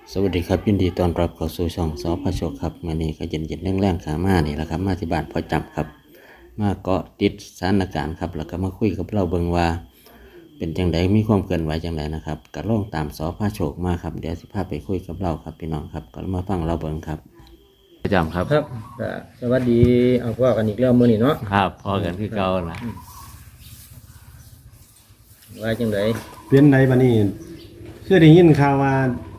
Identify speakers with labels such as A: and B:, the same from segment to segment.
A: สวัสดีครับยินดีต้อนรับเข้าสู่ช่องสพโชคครับมื่อนี้ก็เย็นแรงๆขามานี่แหละครับมาที่บ้านพอจับครับมาเกาะติดสถานการณ์ครับแล้วก็มาคุยกับเราเบิ่งว่าเป็นจังไดมีความเกินไหวจังไดนะครับก็ลงตามสพโชคมาครับเดี๋ยวสิพาไปคุยกับเราครับพี่น้องครับก็มาฟังเราเบิ่งครับประจำครับ
B: ครับก็สวัสดีเอาพ่อกันอีกแล้วมื้อนี้เนาะ
A: ครับพอกันคือเก่านะ
B: ว่าจังได
C: เปลี่ยนใดบัดนี้คือได้ยินข่าวว่า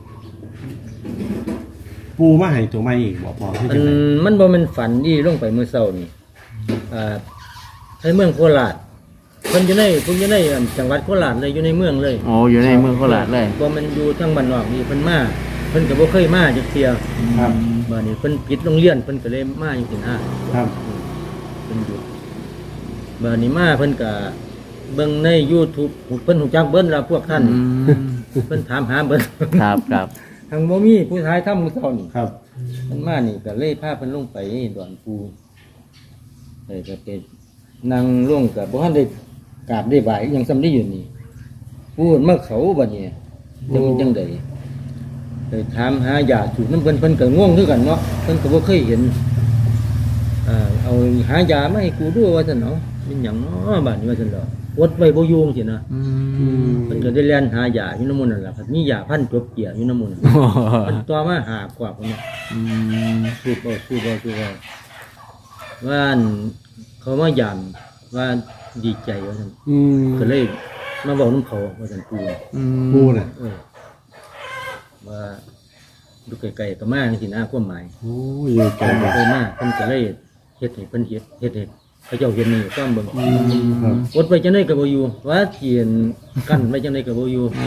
C: ปูมาให้ตัวใหม่อีกบ่พอคือจังได๋
B: มันบ่แม่นฝันที่ลงไปมื้อเช้านี่ในเมืองโคราชเพิ่นอยู่ในจังหวัดโคราชเลยอยู่ในเมืองเลย
A: โอ้อยู่ในเมืองโคราชเลย
B: บ่แม่นอยู่ทางบ้านนอกนี่เพิ่นมาเพิ่นก็บ่เคยมาจักเที่ย
C: ครับ
B: บัดนี้เพิ่นปิดโรงเรียนเพิ่นก็เลยมาจังซี่นะครับ เพิ่นอยู่บัดนี้มาเพิ่นก็เบิ่งใน YouTube เพิ่นฮู้จักเบิ่นล่ะพวกท่านเพิ่นถามหาเบิ่น
A: ครับครับ
B: ทางบ่มีผู้ชายทำมื้อเช้านี่
C: ครับ
B: มันมานี่ก็เลยพาเพิ่นลงไปดอนปูเลยก็ไปนั่งลงกับบ่ทันได้กราบได้ไหว้อิหยังซ้ำได้อยู่นี่พูดมาเขาบัดนี้จังได๋เลยถามหายาสูบน้ำเพิ่นก็ง่วงคือกันเนาะเพิ่นก็บ่เคยเห็นเอาหายามาให้กูดูว่าซั่นเนาะเป็นหยังเนาะบัดนี้ว่าซั่นดอกอดไว้บ่อยู่จังซี่นะเพิ่นก็ได้แล่นหายาอยู่น้ำมันนั่นล่ะครับมียาพันจบเกียอยู่น้ำมันเพิ่นต่อมาหากว่าพุ่นเนาะ สู้เอาว่าอั่นเขามายามว่าดีใจว่าท่าน
C: อืม
B: ก็เลยมาบอกน้ำเขาว่าท่านปู
C: ปูน่ะ
B: ว่าดูไกลๆก็มาสินะความหมาย
C: โอ้ยอยู่ไกล
B: เพิ่น
C: บ่
B: เคยมาเพิ่นก็เลยเฮ็ดให้เพิ่นเฮ็ดให้พระเจ้าเห็นนี่ความเบิ่ง
C: ครับ
B: อดไว้จังได๋ก็บ่อยู่ว่าเขียนกั้นไว้จังได๋ก็บ่อยู่
A: โอ้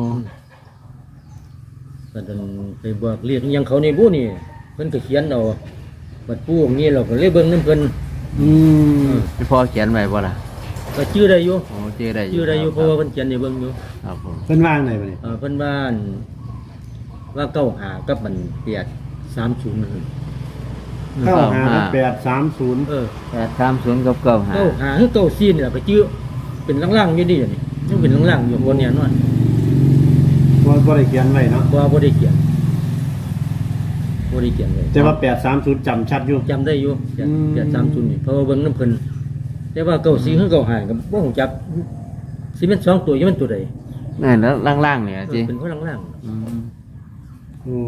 B: ก็ดันไปบอกเรียกอิหยังเขานี่บ่นี่เพิ่นก็เขียนเอาบัดปูองค์นี้เราก็เลยเบิ่งนำเพิ่น
C: อืม
A: พี่พ่อเขียนไว้บ่ล่ะ
B: ก็ชื่อได้อยู่
A: โอ้เจอได้
B: ชื่อได้อยู่เพราะว่าเพิ่นเขียนให้เบิ่งอยู่
A: ครับผม
C: เพิ่นวางไหนบัดนี้
B: เพิ่นว่าอั่นว่าเก้าหากับมันเปียด30นั่น
C: เข้าหา830
A: 830กับ95
B: เก้าหาคือเก้าซีนี่ล่ะก็ชื่อเป็นล่างๆอยู่ดินี่ยังเป็นล่างๆอยู่บนเนี่ยนอน
C: บ่ได้เขียนไว้เนาะ
B: บ่ได้เขียนบ่ได้เขียนเลย
C: แต่ว่า830จำชัดอยู่
B: จำได้อยู่
C: อืม
B: เปียด30นี่เพราะว่าเบิ่งน้ำเพิ่นแต่ว่าเก้าซีคือเก้าหาก็บ่ฮู้จักสิเป็น2ตัวอยู่มันตัวใด
A: นั่นแล้วล่างๆเนี่ยจิ
B: เป็นคนล่าง
C: โอ้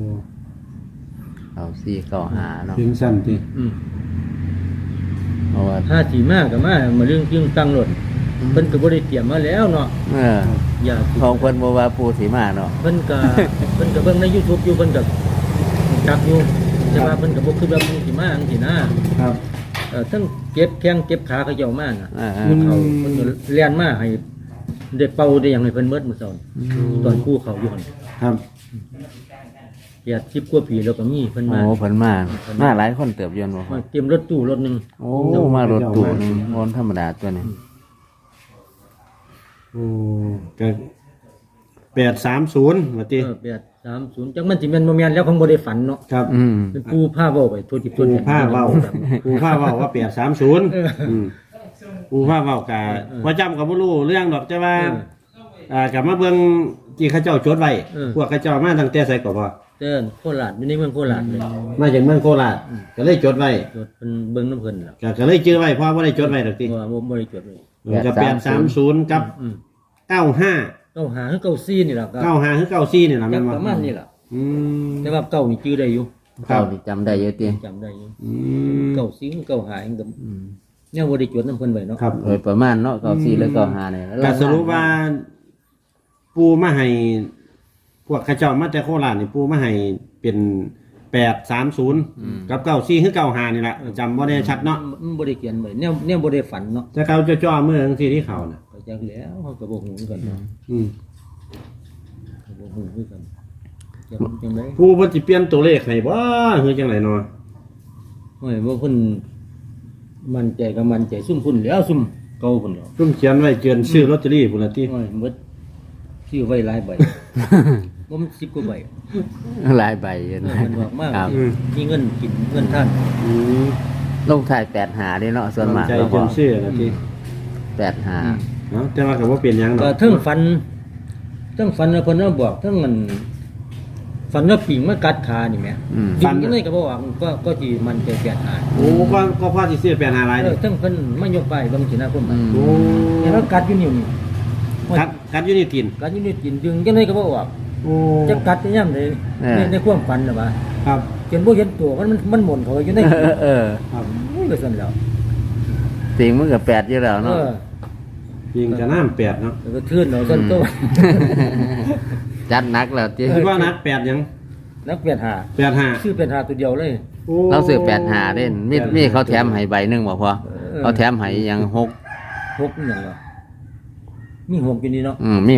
A: เอา4เข้าหาเนาะ
C: ถึงสั่นติ
B: ๆ
A: เพราะว่า
B: ถ้าสิมาก็มาเรื่องจึงตั้งรถเพิ่นก็บ่ได้เตรียมมาแล้วเนาะ อย่า
A: ของเพิ่นบ่ว่าปูสิมาเนาะ
B: เพิ่นก็ เพิ่นก็เบิ่งใน YouTube อยู่เพิ่นก็จักอยู่แต่ว่าเพิ่นก็บ่คือแบบมึงสิมาจังซี่นะครับ ทั้งเจ็บแข้งเจ็บขาเขาเจ้ามาน่ะ
A: อ่า
B: เขาเพิ่นก็เรียนมาให้ได้เป่าได้หยังให้เพิ่นเบิดมื้อเช้าตอนกู้เขาอยู่หั่น
C: ครับ
B: 10กว่าปีแล้วก็มีเพิ่น
A: โอ้
B: มา
A: เพิ่นมาหลายคนเติบยนบ่
B: มาเตรียมรถตู้รถหนึง
A: โอ้มารถตู้นึงบ่ธรรมดาตัวนี้
C: โอ้ก็830ว่าติ
B: 830จักมันสิแม่นบ่แม่นแล้วคงบ่ได้ฝันเนาะ
C: ครับ
B: เป็นผู้พาเว้าไปทั่วทิศทั่วแดน
C: ผู้พาเว้า ผู้พาเว้าว่า830ผู้พาเว้ากะว่าจำก็บ่รู้เรื่องดอกแต่ว่า กลับมาเบิ่งที่เขาเจ้าจดไว้พวกเขาเจ้ามาตั้งแต่ไสก็บ่
B: เด้อโคราชอยู่ในเมืองโคราชเลย
C: มาจากเมืองโคราชก็เลยจดไว้
B: จดเป็นเบิ่งน้ำเพิ่นล่ะ
C: ก็เลยจื้อไว้เพราะบ่ได้จดไว้ดอกติ
B: ว่าบ่ได้จดเลย
C: ก็830กับ
B: อืม
C: 95
B: เก้าหาคือเก้าซี่นี่ล่ะก็
C: 95คือ94นี่ล่ะ
B: จั
C: แม่
B: ก
C: นบ่
B: ประมาณนี้ล่ะ
C: อืม
B: แต่ว่าเก้านี่จื้อได้อยู่
A: เข้าที่จำได้อยู่ติ
B: จำได้อยู่
C: อืม
B: เก้าซี่เก้าหาเองก็เนี่ยบ่ได้จดน้ำเพิ่นไว้เนาะ
C: ครับ
A: โดยประมาณเนาะ94แล้ว95เนี่ย
C: ก็สรุปว่าปูมาให้พวกเขาเจ้ามาแต่โคราชนี่ปูมาให้เป็น830กับ94คือ95นี่ล่ะจำบ่ได้ชัดเนาะ
B: มันบ่ได้เขียนไว้เนี่ยบ่ได้ฝันเนาะ
C: แต่เขาจะจ่อมือจังซี่ที่เขาน่ะ
B: ก็จักแล้วเขาก็บ่ฮู้คือกันเนาะ
C: อืม
B: ก็บ่ฮู้คือกันจังได๋
C: ผู้เพิ่นสิเปลี่ยนตัวเลขให้บ่คือจังไดเนาะ
B: โอ้ยบ่เพิ่นมั่นใจก็มั่นใจซุ่มพุ่นแล้วซุ่มเก่าพุ่นแล้ว
C: ซุ่มเขียนไว้เกินซื้อลอตเตอรี่พุ่นละติ
B: โอ้ยหมดซื้อไว้หลายใบ บ่มัน10กว่าใบ
A: หลายใบอยู่
B: เอ
A: นะ
B: อมันบอกมาก
A: ครับ
B: มีเงินกินเงินท่าน
C: อืม
A: ลงท้าย85เด้เนาะส่วนมาก
C: ใจ
A: เรา
C: เกิ
A: ก็
C: นซื้อละติ
A: 85
C: เนาะแต่ว่าก็บ่เป็นหยังด
B: ก็
C: อก
B: เทั้งฝันแล้วเพิ่นมาบอกเทั้งมันฝันว่าปิงมากัดขานี่แหม
C: ฝั
B: ฝั
C: น
B: นยังไงก็บ่ว่าก็สิมันจะแปดหา
C: โอ้ก็พอสิซื้อ8 5หลาย
B: เอ
C: นี่
B: อทั้งเพิ่นมายกไปบางสินะคน
C: โอ้
B: เนี่ยแล้วกัดอยู่นิ้วนี่
C: กัดอยู่นี่ตีน
B: กัดอยู่นิ้วกินดึงยังไงก็บ่ออก
C: โอ้
B: จะกัดได้ยามใดในความฝันน่ะว่า
C: ครับ
B: จนบ่เห็นตัวมันหมุนเข้าไปอยู่ใน
C: ครับ
B: โอ้ยก็ซั่นแล้ว
A: ติงมันก็8อยู่แล้ว
B: เอ
A: เนาะ
B: อ
C: ยิงจะน้ำ8เนาะ
B: แล้วก็ทื่นเอาซั่นตัว
A: จัดหนักแล้วติ
C: คิดว่านัก8ยัง
B: นักเปลี่ยนหา
C: 85
B: ชื่อเปลี่ยนหาตัวเดียวเลย
C: โอ้
A: เราซื้อ85เด้มีเขาแถมให้ใบหนึงบ่พอเขาแถมให้หยัง6
B: 6นี่หยังวะมี6อยู่นี่เนาะ
A: มี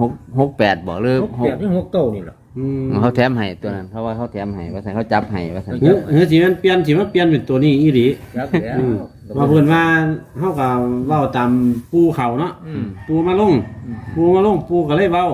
A: 6 8บ่หรือ
B: 6 8นี่6 9นี่ล่ะ
C: อืม
A: เขาแถมให้ตัวนั้นเพราะว่าเขาแถมให้ว่าซั่นเขาจับให้ว่าซั่น
C: เฮ้ยสิมันเปลี่ยนเป็นตัวนี้อีหลี
B: ครับแล้ว
C: อืมว่าเพิ่นว่าเฮาก็เว้าตามปูเขาเนาะ
B: อืม
C: ปูมาลงปูก็เลยเว้า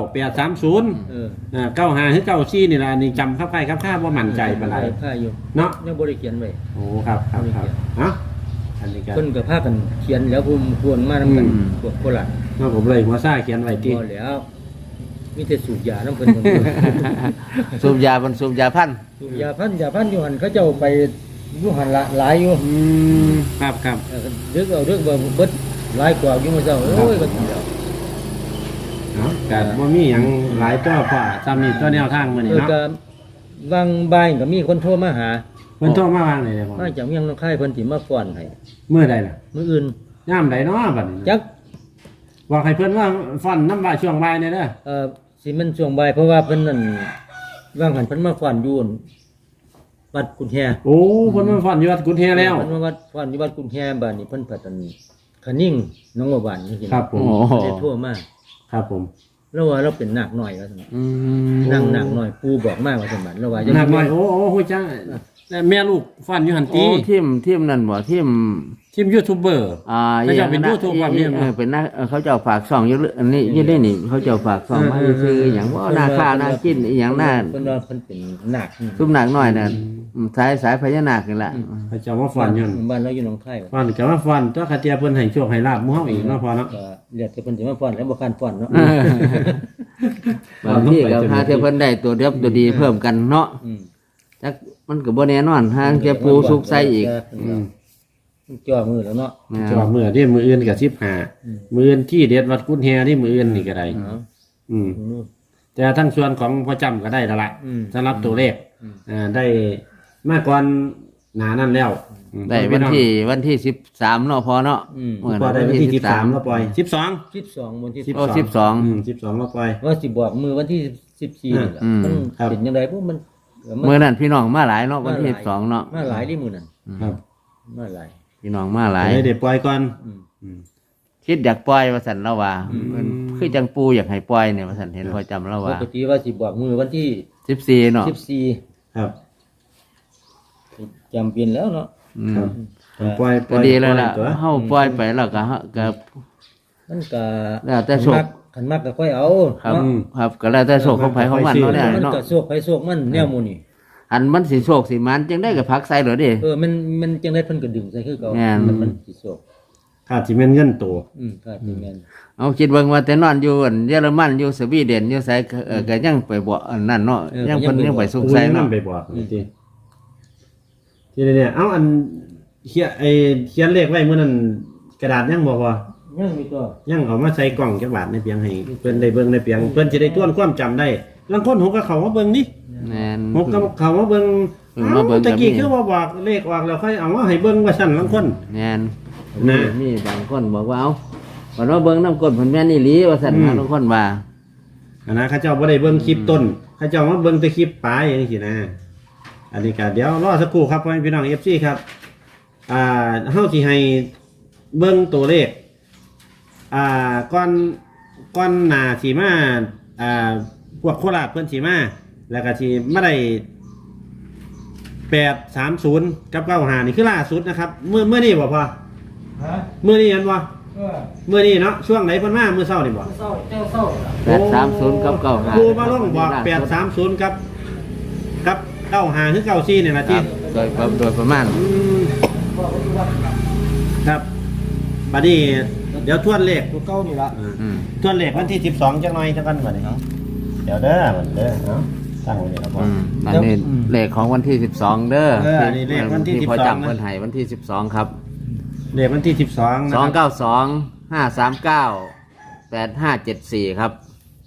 C: 830
B: เออ
C: 95หรือ94นี่ล่ะอันนี่จำครับใครครับข้าบ่มั่นใจปานใด
B: ค่าอยู่
C: เนาะ
B: ยังบ่ได้เขียนไว้
C: โอ้ครับเอ้าอันนี้ก็
B: เพิ่นก็พากันเขียนแล้วภูมิควรมานำกันพวกโคราช
C: เนาะผมเลยหัวซ่าเขียนไว้ติ
B: บ่แล้วมีแต่สูบยานำเพิ่น
A: สูบยาบนสูบยาพันธุ์
B: สูบยาพันอยู่หั่นเขาเจ้าไปอยู่หั่นละหลายอยู่
C: ครับ
B: เออเรื่องเอาเรื่องบ่เบิดหลายกว่าอยู่มื้อเช้าโอ้ยก็เดียว
C: เนาะก็บ่มีหยังหลายตัวพอซ้ำนี่ตัวแนวทางมื้อนี้
B: เออ
C: เนาะ
B: ก็วางบ่ายก็มีคนโทรมาหา
C: เพิ่นโทรมาวางได้บ่
B: มาจากเมียงน้องค่ายเพิ่นสิมาฟ้อนให้
C: มื้อใดล่ะ
B: มื้ออื่น
C: ยามใดเนาะบัดนี้
B: จัก
C: บอกให้เพิ่นว่าฟันน้ำบ่ายช่วงบ่ายเนี่ยเด้อ
B: สิมันช่วงบ่ายเพราะว่าเพิ่นนั่นวางหันเพิ่นมาฟ้อนอยู่อั่นวัดกุนแฮ
C: โอ้เพิ่นมาฟันอยู่วัดกุฎแฮแล้ว
B: เพิ่นมาวัดฟ้อนอยู่วัดกุนแฮบ้านนี้เพิ่นพัดอันคะนิ่งน้องว่าบ้านนี่สิ
C: ครับผม
A: โอ้โห
B: ได้โทรมา
C: ครับผม
B: แล้วว่าเราเป็นนาคน้อยว่าซั่น
A: อืม
B: นั่งนาคน้อยปู่บอกมาว่าซั่นบัดแล้วว่า
C: หนักหน่อยโอ้โหจังแต่แม่ลูกฟันอยู่หัน
A: โอ้
C: ตี
A: ทีมนั่นบ่ทีม
C: ทีมยูทูบเบอร์ เขาจะเป็น YouTube ความเนี่ย
A: เป็นนักเขาจะเอาฝากช่องอยู่อันนี้อยี่ได้นี่เขาจะเอาฝากช่องมาซื้ออย่างว่าหน้าค่าหน้ากินอหย่างหน้า
B: เพิ่นว่าเพิ่นเป็นนาค
A: ซุ่มหนักหน่อยน่ะสายพญานาคนี่แหละ
C: เขาจะมาฟันอยู่
B: บ้านเราอยู่หนองคายว่ะ
C: ฟันก็มาฟันตัวคาเตียเพิ่นให้โชคให้ลาบหมู่เฮาอีกเนาะพอเนาะ
B: ก็เรียกแต่เพิ่นสิมาฟ้อนแล้วบ่คันฟ้อนเนาะ
A: บางที่ก็หาเทียเพิ่นได้ตัวเดียวตัวดีเพิ่มกันเนาะ
B: อืม
A: จักมันก็บ่แน่นอนหาเทียปูสุกใส่อีก
B: จ่อมือแล้วเนาะ
C: จอมื้อที่มื้ออื่นก็15มื้ออื่นที่เด็ดวัดกุฎแฮที่มื้ออื่นนี่ก็ได้
B: อ๋อ
C: อืม
B: อืม
C: แต่ทั้งส่วนของพ่อจำก็ได้แล้วล่ะ
B: อืม
C: สำหรับตัวเลขได้มากกว่าหนานั่นแล้ว
A: ได้วันที่13เนาะพอเนาะ
B: อืม
C: พอได้วันที่13แล้วปล่อย12
B: 12วันที่
A: โอ้12
C: แล้วปล่อย
B: ว่าสิบอกมือวันที่14นี่แหละ
A: อืม
B: มัน
C: ครับ
B: เป็นยังไงพวกมัน
A: มื้อนั้นพี่น้องมาหลายเนาะวันที่12เนาะ
B: มาหลายที่มือนั้น
C: ครับ
B: มาหลาย
A: พี่น้องมาหลาย
C: ได้เดี๋ยวปล่อยก่อน
B: อืม
C: อืม
A: คิดอยากปล่อยว่าซั่นแล้วว่ามันคือจังปูอยากให้ปล่อยเนี่ยว่าซั่นเห็นพอจำแล้ว
B: ป
A: ว่า
B: กติว่าสิบอกมือวันที่
A: 14เนาะ
B: 14
C: ครับ
B: จำเป็นแล้วเนาะ
A: อืม
C: ครับปล่อยป
A: ก็
C: ล่อย
A: ดีแล้วล่ะ
C: ตัว
A: เฮาปล่อยไปแล้วก็ก็
B: มันก็
A: แล้วแต่โชค
B: ขันมักก็ค่อยเอา
A: ครับ
B: เนาะ
A: ครับก็แล้วแต่โชคของไผของมันเนาะเนี่ย
B: มัน
A: เนาะ
B: ก็โชคไปโชคมันแนวหมู่นี่
A: อันมันสิโชคสิมันจังได้ก็พักใส่เหรอดิ
B: มันจังได้เพิ่นก็ดึงใส่คือเก่า
A: แม่น
B: มันสิโชค
C: ขาดสิเม็นเงินตัว
B: ครับที่แม่น
A: เอาคิดเบิ่งว่าแต่นอนอยู่อันเยอรมันอยู่สวีเดนอยู่ไสก็ยังไปบ่อันนั้นเนาะยังเพิ่นยังไปสุขใส่
C: นั่
A: เนาะ
C: นไปบอกนี่ทีทีเนี่ยเอาอันเขียนเลขไว้มื้อนั้นกระดาษยังบอกว่า
B: ยังมีตัว
C: ยังเอามาใส่กล่องจักบาทในเพียงให้เพิ่นได้เบิ่งในเพียงเพิ่นสิได้ทวนความจำได้ลางคนหกก็เข้ามาเบิ่งนี่
A: แม่น
C: หกก็เข้ามาเบิ่ง
A: มาเบิ่ง
C: ตะกี้
A: ก็มี
C: คือว่าบอกเลขออกแล้วค่อยเอามาให้เบิ่งว่าซั่นลางคน
A: แม่น
C: นะ
A: มีบางคนบอกว่าเอาว่าเบิ่งน้ำกลเพิ่นแม่นอีหลีว่าซั่นบางคนว่า
C: อันนะเขาเจ้าบ่ได้เบิ่งคลิปต้นเขาเจ้ามาเบิ่งแต่คลิปปลายจังซี่นะ อันนี้ก็เดี๋ยวรอสักครู่ครับพ่อแม่พี่น้อง FC ครับเฮาสิให้เบิ่งตัวเลขก่อนหน้าสิมาพวกโคราชเพิ่นสิมาแล้วก็สิมาได้830กับ95นี่คือล่าสุดนะครับเมื่อนี้บ่พอ
B: ฮะ
C: เมื่อนี้เห็นบ่
B: เออ
C: เมื่อนี้เนาะช่วงไหนเพิ่นมามื้อเช้านี่บ่
B: เศร้าเจ้าเศร้า
A: 830กับ95
C: ครูมาลงบอก830กับ95คือ94นี่ล่ะ
A: ค
C: ที่
A: รับโดยประมาณ
C: ครับบัดนี้เดี๋ยวทวนเลข
B: ตัวเก่านี่ละ
A: อืม
C: ทวนเลขวันที่12จังหน่อยจังกันบัดนี้เดี๋ยวเด้อบัดเด้อเนาะตั้งไว้แล้วบ่
A: อันนี้เลขของวันที่12เด้อ
C: อันนี้เลขวันที่
A: พอ
C: 12
A: จำเพิ่นให้วันที่12ครับ
C: เลขวันที่12นะครับ
A: 292 539 8574ครับ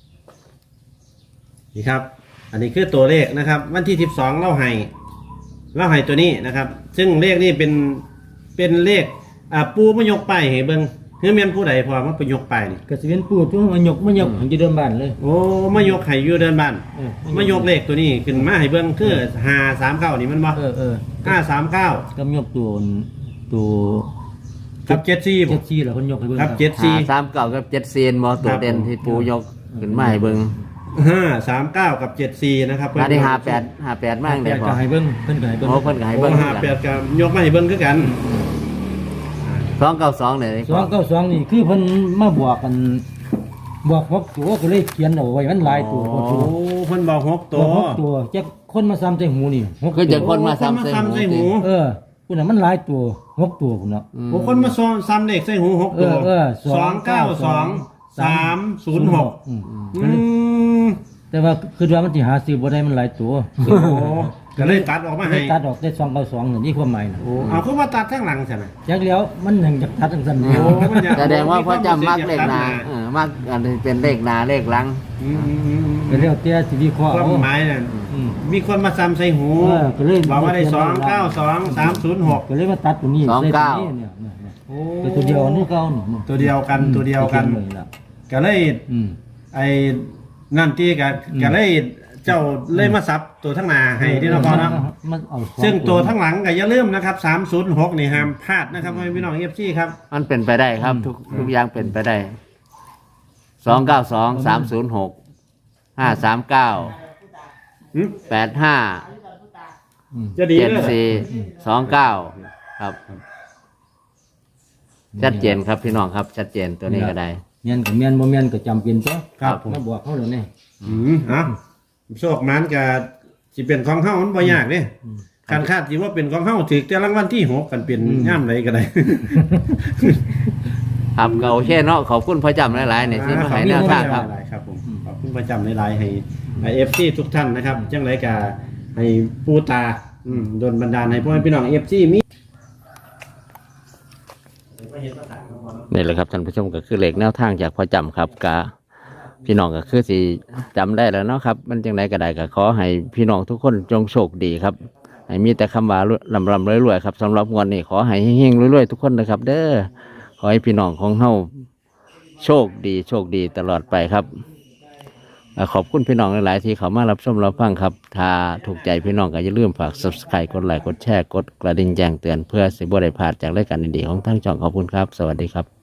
C: นี่ครับ อันนี้คือตัวเลขนะครับ วันที่12เล่าให้ตัวนี้นะครับ ซึ่งเลขนี้เป็นเลขปูมายกป้ายให้เบิ่งคือแม่นผู้ใดพอมาไปยกป้ายนี่
B: ก็สิเป็นปู่ตัวมายกของจะเดินบ้านเลย
C: โอ้มายกให้อยู่เดินบ้าน มายกเลขตัวนี้ขึ้นมาให้เบิ่งคือ539นี่มันบ่539
B: ก็ยกตัว
C: กับ74บ่
B: 74แล้วเพิ่นยกให้เบิ่ง
C: ครับ
A: 39กับ74บ่ตัวเด่นที่ปูยกขึ้นมาให้เบิ่ง
C: 539กับ74นะครับ
A: อันนี้58มั่ง
B: แต่
A: เด้อพอ
B: ก็ให้เบิ่งเพิ่นก็ให้เบิ่ง
A: โอ้เพิ่นก็ให้
C: เบิ่
A: เบิ่
C: ง
A: ง
C: 58กับยกมาให้เบิ่งคือกัน
A: 292เนี่ย
B: 292นี่คือเพิ่นมาบอกกันบอก6ตัวก็เลยเขียนเอาไว้มันหลายตัว
C: โอ้เพิ่นบอก6
B: ตั
C: ตัว ว
B: 6ตัวจักคนมาซ้ำใส่หูนี่6
A: คือจะคนมา
C: คน
A: ซ้ำ
C: มา
A: ใส่
C: ซ้ำใส่
A: หู
C: หู
B: พุ่นน่ะมันหลายตัว6ตัวพุ่นเนาะ
C: โอ้คนมาซ้ำเลขใส่หู6ตัว 292 306
B: อืม
C: อืม
B: แต่ว่าคือว่ามันสิหาซื้อบ่ได้มันหลายตัว
C: โอ้ก็เลยตัดออกมาให้
B: ตัดออกได้292นี่ความหมายน่ะ
C: โอ้เอาคือว่าตัดข้างหลังใช่ไหม
B: จักแล้วมันยังจะตัดจังซั่น
C: โอ้มันอยาก
A: แสดงว่าพ่อจำมักเลขหนามักอันนี้เป็นเลขหนาเลขหลัง
C: อืม
B: ก็แล้วแต่สิวิเคราะห์
C: ควา
B: เอา
C: มหมายนั่น
B: อืม
C: มีคนมาซ้ำใส่หู
B: ก็เลย
C: บอกว่าได้292 306
B: ก็เลยมาตัดตรงนี้
A: 29
B: ใส่ตรงนี้เนี่ย
C: โอ้
B: เป็นตัวเดียวนี่เก่านี่
C: ตัวเดียวกันตัวเดียวกัน
B: ตัวเดียวเลยล่ะ
C: ก็เลย
B: อืม
C: ไอ้นั่นที่ก็เลยเจ้าเลยมาซับตัวทั้งหน้าให้ที่นครเนาะ
B: มันเอาสอ
C: ซึ่งตัวทั้งหลังก็อย่าลืมนะครับ306นี่ห้ามพลาดนะครับพี่น้อง FC ครับ
A: มันเป็นไปได้ครับ ทุกอย่างเป็นไปได้292 306 539
C: หืม
A: 85
C: จะดีเลย
A: 74 29ครับชัดเจนครับพี่น้องครับชัดเจนตัวนี้ก็ได้
B: เมียนกับเมียนบ่เมียนก็จำเป็นตัว
C: ครับผม
B: มาบอกเขาเลยนี่
C: โชคมันก็สิเป็นของเฮามันบ่ยากเด้การคาดสิว่าเป็นของเฮาถึกแต่รางวัลที่6กันเป็นย่ามใดก็ได้
A: ครับก็โอเคเนาะขอบคุณพ่อจำหลายๆเนี่ยที่มาให้แนวทางครับ
C: ครับผมขอบคุณประจำในไลน์ให้เอฟซีทุกท่านนะครับจังไรกาให้ปูตาโดนบันดาลให้พ่อแม่พี่น้องเอฟซีมี
A: นี่แหละครับท่านผู้ชมก็คือเหล็กแนวทางจากพ่อจำครับกะพี่น้องก็คือสิจำได้แล้วเนาะครับมันจังไรก็ได้ก็ขอให้พี่น้องทุกคนจงโชคดีครับให้มีแต่คำว่าลำรวยๆครับสำหรับงวดนี้ขอให้เฮงๆรวยๆทุกคนนะครับ เด้อขอให้พี่น้องของเฮาโชคดีตลอดไปครับขอบคุณพี่น้องหลายๆที่เขามารับชมรับฟังครับถ้าถูกใจพี่น้องก็อย่าลืมฝาก Subscribe กดไลค์กดแชร์กดกระดิ่งแจ้งเตือนเพื่อสิบ่ได้พลาดจากรายการดีๆของทั้งช่องขอบคุณครับสวัสดีครับ